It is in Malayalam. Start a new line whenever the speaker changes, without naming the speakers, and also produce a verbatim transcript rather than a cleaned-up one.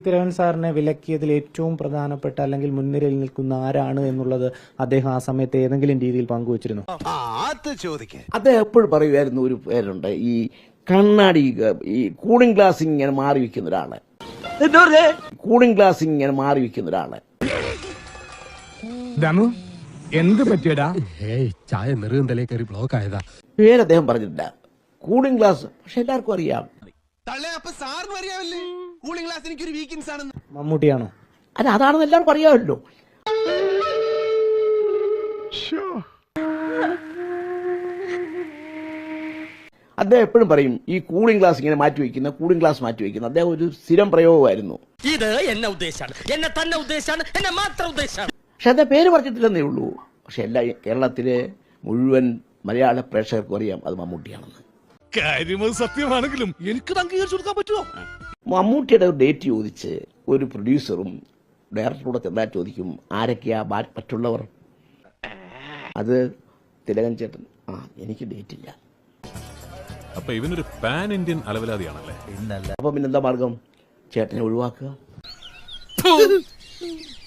തിലകൻ സാറിനെ വിലക്കിയതിൽ ഏറ്റവും പ്രധാനപ്പെട്ട അല്ലെങ്കിൽ മുൻനിരയിൽ നിൽക്കുന്ന ആരാണ് എന്നുള്ളത് അദ്ദേഹം ആ സമയത്ത് ഏതെങ്കിലും രീതിയിൽ പങ്കുവച്ചിരുന്നു?
അദ്ദേഹം എപ്പോഴും പറയുമായിരുന്നു ഒരു പേരുണ്ട്, ഈ കണ്ണാടി ഈ കൂളിംഗ് ഗ്ലാസ് ഇങ്ങനെ മാറി വെക്കുന്ന ഒരാള്, കൂളിംഗ് ഗ്ലാസ് ഇങ്ങനെ മാറി വെക്കുന്ന ഒരാള്.
എന്ത് പറ്റിയടാ?
ചായ നെറുകന്തലേ കയറി ബ്ലോക്ക് ആയതാ.
പേര് അദ്ദേഹം പറഞ്ഞിട്ടില്ല, കൂളിംഗ് ഗ്ലാസ്. പക്ഷെ എല്ലാവർക്കും അറിയാം.
മമ്മൂട്ടിയാണോ?
അല്ല, അതാണെന്ന് എല്ലാവർക്കും അറിയാമല്ലോ. അദ്ദേഹം എപ്പോഴും പറയും ഈ കൂളിംഗ് ഗ്ലാസ് ഇങ്ങനെ മാറ്റി വയ്ക്കുന്ന, കൂളിംഗ് ഗ്ലാസ് മാറ്റി വയ്ക്കുന്ന അദ്ദേഹം ഒരു സ്ഥിരം പ്രയോഗമായിരുന്നു.
ഇത് എന്നെ ഉദ്ദേശാണ്, എന്നെ തന്നെ ഉദ്ദേശാണ്, എന്നെ മാത്രം ഉദ്ദേശാണ്.
പക്ഷെ അദ്ദേഹം പേര് പറഞ്ഞിട്ടില്ലെന്നേ ഉള്ളൂ. പക്ഷെ എല്ലാ കേരളത്തിലെ മുഴുവൻ മലയാള പ്രേക്ഷകർക്കും അറിയാം അത് മമ്മൂട്ടിയാണെന്ന്.
കാര്യം സത്യമാണെങ്കിലും എനിക്ക് അംഗീകരിച്ചു കൊടുക്കാൻ പറ്റുമോ?
മമ്മൂട്ടിയുടെ ഒരു ഡേറ്റ് ചോദിച്ച് ഒരു പ്രൊഡ്യൂസറും ഡയറക്ടറൂടെ ചെന്നാൽ ചോദിക്കും ആരൊക്കെയാ മറ്റുള്ളവർ. അത് തിലകൻ ചേട്ടൻ, ആ എനിക്ക് ഡേറ്റ് ഇല്ല.
അപ്പൊ ഇവനൊരു പാൻ ഇന്ത്യൻ അലവലാതിയാണല്ലേ?
അപ്പൊ പിന്നെന്താ മാർഗം? ചേട്ടനെ ഒഴിവാക്കുക.